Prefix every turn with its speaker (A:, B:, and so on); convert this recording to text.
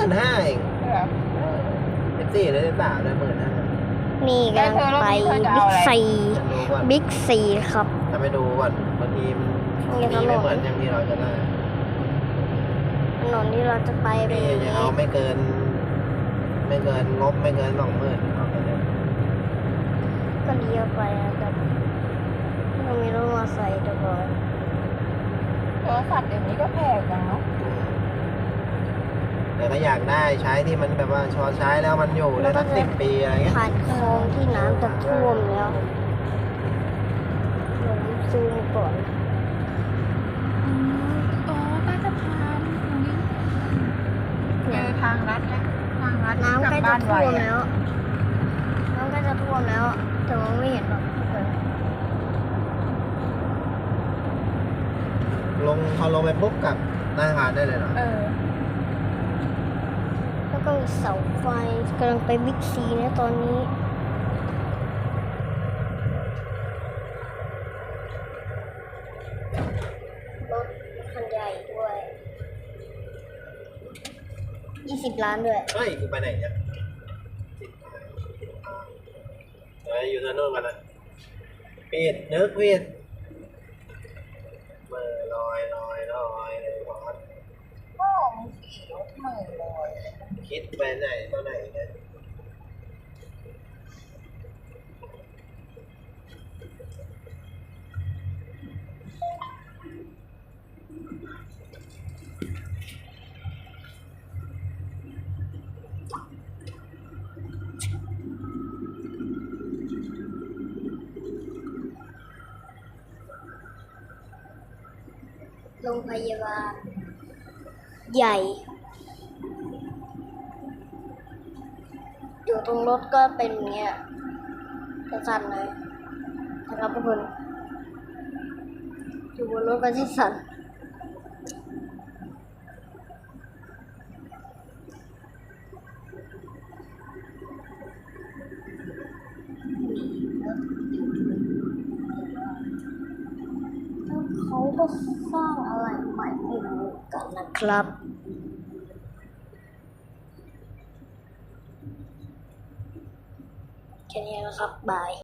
A: 15,000เอง14หรือ13เลย15,000
B: นี่กำลังไปบิ๊กซีบิ๊กซีครับ
A: จะไปดูก่อนบางทีมันมีไม่เหมือนอย่างที่เราจะได้
B: ถนนที่เราจะไปเป็น
A: นี่จะเอาไม่เกินงบไม่เกิน20,000เอาไปเลย
B: ก็เลี้ยวไปนะครับเรามีรถมอเตอร์ไซค์ด้วย
C: โทรศัพท์เดี๋ยวนี้ก็แพงจังเนาะ
A: แต่ก็อยากได้ใช้ที่มันแบบว่าชอใช้แล้วมันอยู่ได้สัก10 ปีอะไรเงี้ย
B: ผ่านคลองที่น้ำจะท่วมแล้วเดี๋ยวซูมก่อน
C: โอ้ใต้สะพานตรงนี้เจอทางลัดแล้วทางลัด
B: น้ำ
C: กลับ
B: ใกล้จะ
C: บ้านไว
B: ท่วม
C: อะ
B: แล้วน้ำใกล้จะท่วมแล้ว แต่มองไม่เห็นหรอกทุกคน
A: พอลงไปปุ๊บกับหน้าหาดได้เลยเหรอ
B: แล้วก็มีเสาไฟกำลังไปบิ๊กซีนะตอนนี้รถคันใหญ่ด้วย20 ล้านด้วย
A: เฮ้ยกูไปไหนเนี่ยอยู่ถนนกันนะปิดนึกปิดเมื่อลอยเลยพอด
C: พ่อมึงขี่รถเหม่อลอย
A: คิดไปไหนตัวไหนเนี่ย
B: โรงพยาบาลใหญ่อยู่ตรงรถก็เป็นอย่างเงี้ยสั่นๆเลยนะครับทุกคนอยู่บนรถก็จะสั่นเขาก็สร้างอะไรใหม่ไม่รู้กันนะครับแค่นี้นะครับบาย